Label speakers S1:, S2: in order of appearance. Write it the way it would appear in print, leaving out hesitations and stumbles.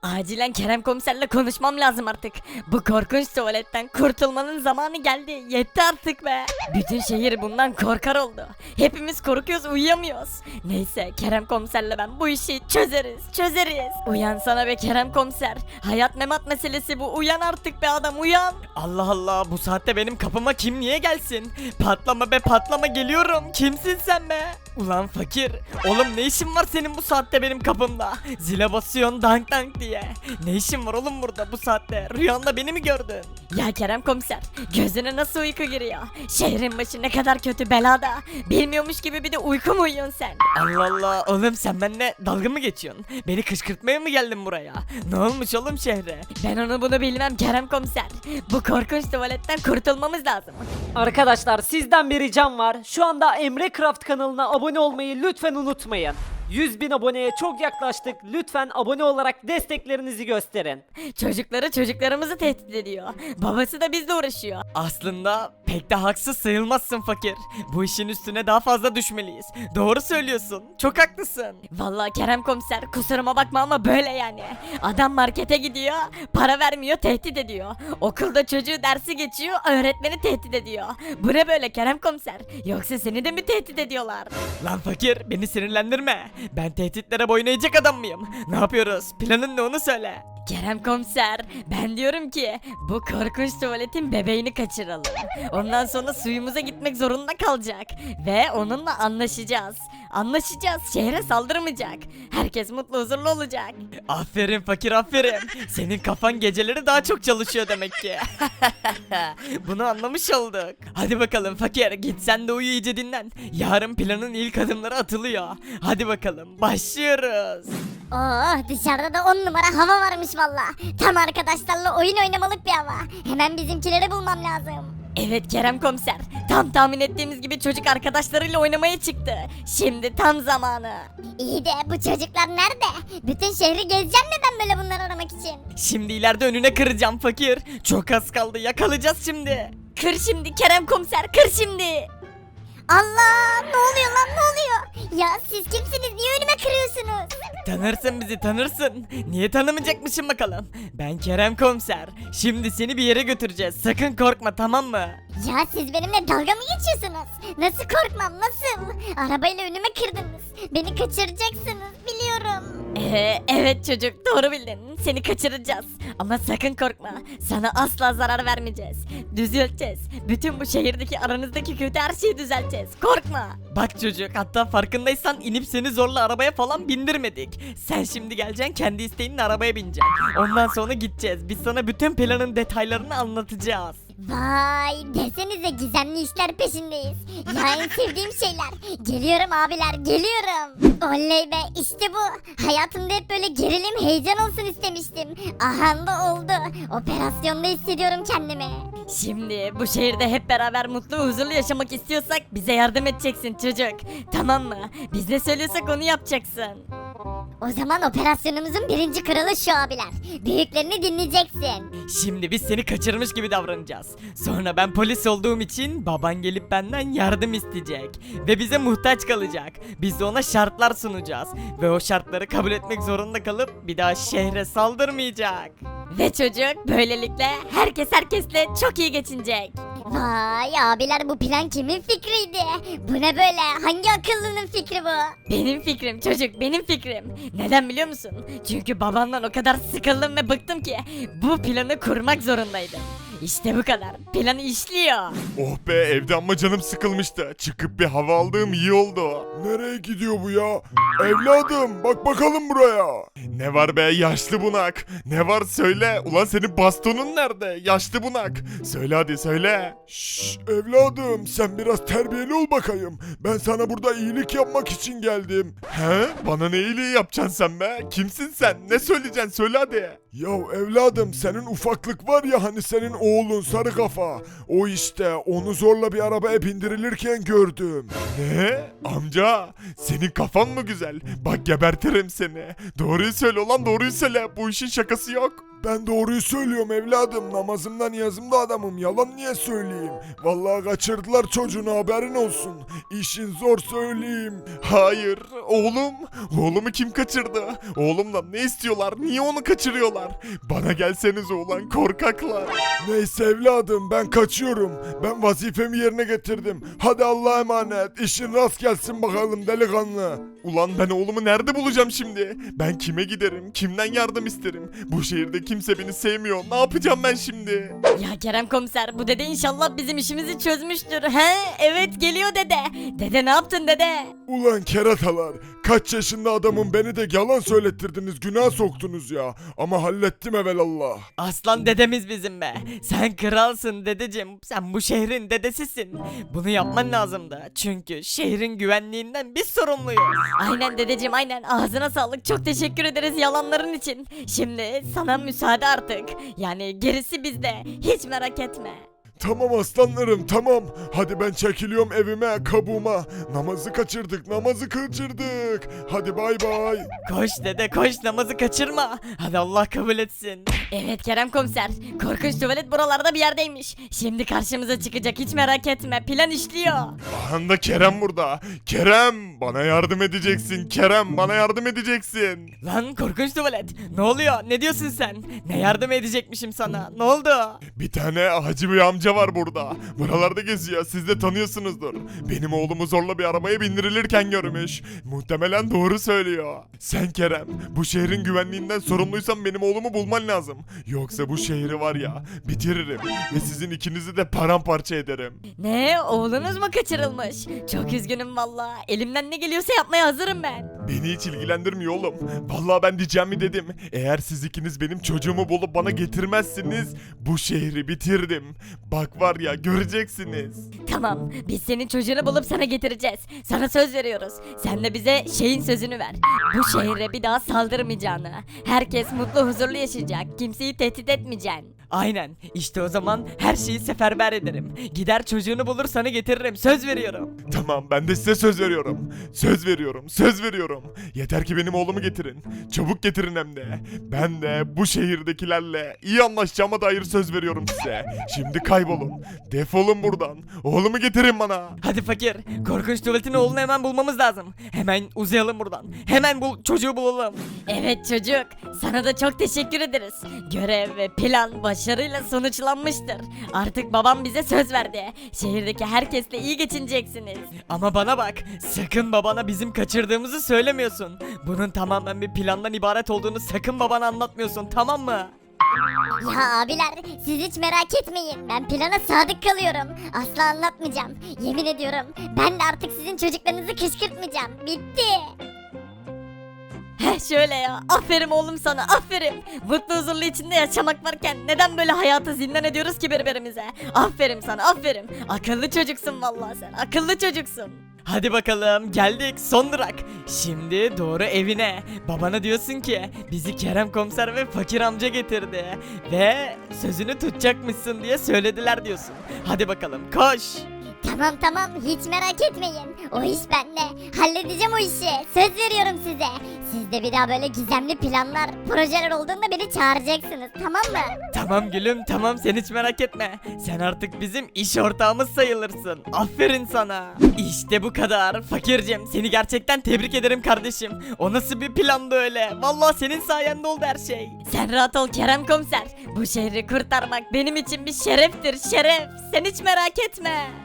S1: Acilen Kerem komiserle konuşmam lazım artık. Bu korkunç tuvaletten kurtulmanın zamanı geldi. Yetti artık be. Bütün şehir bundan korkar oldu. Hepimiz korkuyoruz, uyuyamıyoruz. Neyse Kerem komiserle ben bu işi çözeriz. Uyansana be Kerem komiser. Hayat memat meselesi bu. Uyan artık be adam, uyan. Allah Allah, bu saatte benim kapıma kim niye gelsin? Patlama be patlama, geliyorum. Kimsin sen be? Ulan fakir. Oğlum ne işin var senin bu saatte benim kapımda? Zile basıyorsun dank dank diye. Ne işin var oğlum burada bu saatte? Rüyanda beni mi gördün? Ya Kerem komiser, gözüne nasıl uyku giriyor? Şehrin başı ne kadar kötü belada. Bilmiyormuş gibi bir de uyku mu uyuyorsun sen? Allah Allah, oğlum sen benimle dalga mı geçiyorsun? Beni kışkırtmaya mı geldin buraya? Ne olmuş oğlum şehre? Ben onu bunu bilmem Kerem komiser. Bu korkunç tuvaletten kurtulmamız lazım.
S2: Arkadaşlar sizden bir ricam var. Şu anda Emre Craft kanalına abone olmayı lütfen unutmayın. 100.000 aboneye çok yaklaştık. Lütfen abone olarak desteklerinizi gösterin.
S1: Çocuklarımızı tehdit ediyor. Babası da bizle uğraşıyor. Aslında pek de haksız sayılmazsın fakir. Bu işin üstüne daha fazla düşmeliyiz. Doğru söylüyorsun. Çok haklısın. Vallahi Kerem komiser, kusuruma bakma ama böyle yani. Adam markete gidiyor, para vermiyor, tehdit ediyor. Okulda çocuğu dersi geçiyor, öğretmeni tehdit ediyor. Bu ne böyle Kerem komiser? Yoksa seni de mi tehdit ediyorlar? Lan fakir, beni sinirlendirme. Ben tehditlere boyun eğecek adam mıyım? Ne yapıyoruz? Planın ne, onu söyle. Kerem komiser, ben diyorum ki bu korkunç tuvaletin bebeğini kaçıralım. Ondan sonra suyumuza gitmek zorunda kalacak ve onunla anlaşacağız. Şehre saldırmayacak. Herkes mutlu huzurlu olacak. Aferin fakir, aferin. Senin kafan geceleri daha çok çalışıyor demek ki. Bunu anlamış olduk. Hadi bakalım fakir, git sen de uyu, iyice dinlen. Yarın planın ilk adımları atılıyor. Hadi bakalım, başlıyoruz.
S3: Oh, dışarıda da 10 numara hava varmış valla. Tam arkadaşlarla oyun oynamalık bir hava. Hemen bizimkileri bulmam lazım.
S1: Evet Kerem komiser, tam tahmin ettiğimiz gibi çocuk arkadaşlarıyla oynamaya çıktı. Şimdi tam zamanı.
S3: İyi de bu çocuklar nerede? Bütün şehri gezeceğim mi ben böyle bunları aramak için?
S1: Şimdi ileride önüne kıracağım fakir. Çok az kaldı, yakalayacağız şimdi. Kır şimdi Kerem komiser, kır şimdi.
S3: Allah, ne oluyor lan, ne oluyor? Ya siz kimsiniz, niye önüme kırıyorsunuz?
S1: Tanırsın bizi, tanırsın. Niye tanımayacakmışım bakalım. Ben Kerem komiser. Şimdi seni bir yere götüreceğiz. Sakın korkma, tamam mı?
S3: Ya siz benimle dalga mı geçiyorsunuz? Nasıl korkmam, nasıl? Arabayla önüme kırdınız. Beni kaçıracaksınız, biliyorum.
S1: Evet çocuk, doğru bildin. Seni kaçıracağız. Ama sakın korkma. Sana asla zarar vermeyeceğiz. Düzelteceğiz. Bütün bu şehirdeki aranızdaki kötü her şeyi düzelteceğiz. Korkma. Bak çocuk, hatta farkındaysan inip seni zorla arabaya falan bindirmedik. Sen şimdi geleceksin, kendi isteğinle arabaya bineceksin. Ondan sonra gideceğiz. Biz sana bütün planın detaylarını anlatacağız.
S3: Vay, desenize gizemli işler peşindeyiz. Ya en sevdiğim şeyler. Geliyorum abiler, geliyorum. Oley be, işte bu. Hayatımda hep böyle gerilim, heyecan olsun istemiştim. Aha da oldu. Operasyonda hissediyorum kendimi.
S1: Şimdi bu şehirde hep beraber mutlu ve huzurlu yaşamak istiyorsak bize yardım edeceksin çocuk. Tamam mı? Biz ne söylüyorsak onu yapacaksın.
S3: O zaman operasyonumuzun birinci kralı şu abiler. Büyüklerini dinleyeceksin.
S1: Şimdi biz seni kaçırmış gibi davranacağız. Sonra ben polis olduğum için baban gelip benden yardım isteyecek. Ve bize muhtaç kalacak. Biz de ona şartlar sunacağız. Ve o şartları kabul etmek zorunda kalıp bir daha şehre saldırmayacak. Ve çocuk böylelikle herkes herkesle çok iyi geçinecek.
S3: Vay abiler, bu plan kimin fikriydi? Bu ne böyle? Hangi akıllının fikri bu?
S1: Benim fikrim çocuk, benim fikrim. Neden biliyor musun? Çünkü babamdan o kadar sıkıldım ve bıktım ki bu planı kurmak zorundaydım. İşte bu kadar. Plan işliyor.
S4: Oh be, evde ama canım sıkılmıştı. Çıkıp bir hava aldığım iyi oldu. Nereye gidiyor bu ya? Evladım, bak bakalım buraya. Ne var be yaşlı bunak? Ne var söyle. Ulan senin bastonun nerede? Yaşlı bunak. Söyle hadi söyle. Şşş evladım, sen biraz terbiyeli ol bakayım. Ben sana burada iyilik yapmak için geldim. He? Bana ne iyiliği yapacaksın sen be? Kimsin sen? Ne söyleyeceksin? Söyle hadi. Yahu evladım, senin ufaklık var ya hani, senin oğlun sarı kafa. O işte, onu zorla bir arabaya bindirilirken gördüm. Ne? Amca, senin kafan mı güzel? Bak gebertirim seni. Doğruyu söyle ulan, doğruyu söyle. Bu işin şakası yok. Ben doğruyu söylüyorum evladım. Namazımda niyazımda adamım. Yalan niye söyleyeyim? Vallahi kaçırdılar çocuğunu, haberin olsun. İşin zor söyleyeyim. Hayır oğlum. Oğlumu kim kaçırdı? Oğlumdan ne istiyorlar? Niye onu kaçırıyorlar? Bana gelseniz ulan korkaklar. Neyse evladım ben kaçıyorum. Ben vazifemi yerine getirdim. Hadi Allah'a emanet. İşin rast gelsin bakalım delikanlı. Ulan ben oğlumu nerede bulacağım şimdi? Ben kime giderim? Kimden yardım isterim? Bu şehirde kimse beni sevmiyor. Ne yapacağım ben şimdi?
S1: Ya Kerem komiser bu dede inşallah bizim işimizi çözmüştür. He evet geliyor dede. Dede ne yaptın dede?
S4: Ulan keratalar. Kaç yaşında adamım, beni de yalan söylettirdiniz. Günah soktunuz ya. Ama hallettim evelallah.
S1: Aslan dedemiz bizim be. Sen kralsın dedeciğim. Sen bu şehrin dedesisin. Bunu yapman lazımdı. Çünkü şehrin güvenliğinden biz sorumluyuz. Aynen dedeciğim aynen. Ağzına sağlık. Çok teşekkür ederiz yalanların için. Şimdi sana müsaade artık. Yani gerisi bizde. Hiç merak etme.
S4: Tamam aslanlarım tamam. Hadi ben çekiliyorum evime, kabuğuma. Namazı kaçırdık, namazı kaçırdık. Hadi bay bay.
S1: Koş dede koş namazı kaçırma. Hadi Allah kabul etsin. Evet Kerem komiser. Korkunç tuvalet buralarda bir yerdeymiş. Şimdi karşımıza çıkacak hiç merak etme. Plan işliyor.
S4: Ahanda Kerem burada. Kerem bana yardım edeceksin. Kerem bana yardım edeceksin.
S1: Lan korkunç tuvalet. Ne oluyor? Ne diyorsun sen? Ne yardım edecekmişim sana? Ne oldu?
S4: Bir tane hacı bir amca var burada. Buralarda geziyor. Siz de tanıyorsunuzdur. Benim oğlumu zorla bir arabaya bindirilirken görmüş. Muhtemelen doğru söylüyor. Sen Kerem, bu şehrin güvenliğinden sorumluysan benim oğlumu bulman lazım. Yoksa bu şehri var ya bitiririm ve sizin ikinizi de paramparça ederim.
S1: Ne? Oğlunuz mu kaçırılmış? Çok üzgünüm valla. Elimden ne geliyorsa yapmaya hazırım ben.
S4: Beni hiç ilgilendirmiyor oğlum. Vallahi ben diyeceğimi dedim. Eğer siz ikiniz benim çocuğumu bulup bana getirmezsiniz, bu şehri bitirdim. Bak var ya göreceksiniz.
S1: Tamam. Biz senin çocuğunu bulup sana getireceğiz. Sana söz veriyoruz. Sen de bize şeyin sözünü ver. Bu şehre bir daha saldırmayacağını. Herkes mutlu huzurlu yaşayacak. Kimseyi tehdit etmeyeceksin. Aynen. İşte o zaman her şeyi seferber ederim. Gider çocuğunu bulur sana getiririm. Söz veriyorum.
S4: Tamam ben de size söz veriyorum. Söz veriyorum, söz veriyorum. Yeter ki benim oğlumu getirin. Çabuk getirin hem de. Ben de bu şehirdekilerle iyi anlaşacağıma dair söz veriyorum size. Şimdi kaybolun. Defolun buradan. Oğlumu getirin bana.
S1: Hadi fakir. Korkunç tuvaletin oğlunu hemen bulmamız lazım. Hemen uzayalım buradan. Hemen çocuğu bulalım. Evet çocuk. Sana da çok teşekkür ederiz. Görev ve plan başarıyla sonuçlanmıştır. Artık babam bize söz verdi. Şehirdeki herkesle iyi geçineceksiniz. Ama bana bak. Sakın babana bizim kaçırdığımızı söylemiyorsun. Bunun tamamen bir plandan ibaret olduğunu sakın babana anlatmıyorsun, tamam mı?
S3: Ya abiler siz hiç merak etmeyin. Ben plana sadık kalıyorum. Asla anlatmayacağım. Yemin ediyorum. Ben de artık sizin çocuklarınızı kışkırtmayacağım. Bitti.
S1: Heh şöyle ya. Aferin oğlum sana, aferin. Mutlu huzurlu içinde yaşamak varken neden böyle hayatı zindan ediyoruz ki birbirimize? Aferin sana, aferin. Akıllı çocuksun vallahi sen. Akıllı çocuksun. Hadi bakalım geldik son durak. Şimdi doğru evine. Babana diyorsun ki bizi Kerem komiser ve fakir amca getirdi. Ve sözünü tutacakmışsın diye söylediler diyorsun. Hadi bakalım koş.
S3: Tamam hiç merak etmeyin. O iş bende. Halledeceğim o işi. Söz veriyorum size. Siz de bir daha böyle gizemli planlar, projeler olduğunda beni çağıracaksınız, tamam mı?
S1: Tamam gülüm tamam sen hiç merak etme. Sen artık bizim iş ortağımız sayılırsın. Aferin sana. İşte bu kadar. Fakircim seni gerçekten tebrik ederim kardeşim. O nasıl bir plandı öyle. Vallahi senin sayende oldu her şey. Sen rahat ol Kerem komiser. Bu şehri kurtarmak benim için bir şereftir şeref. Sen hiç merak etme.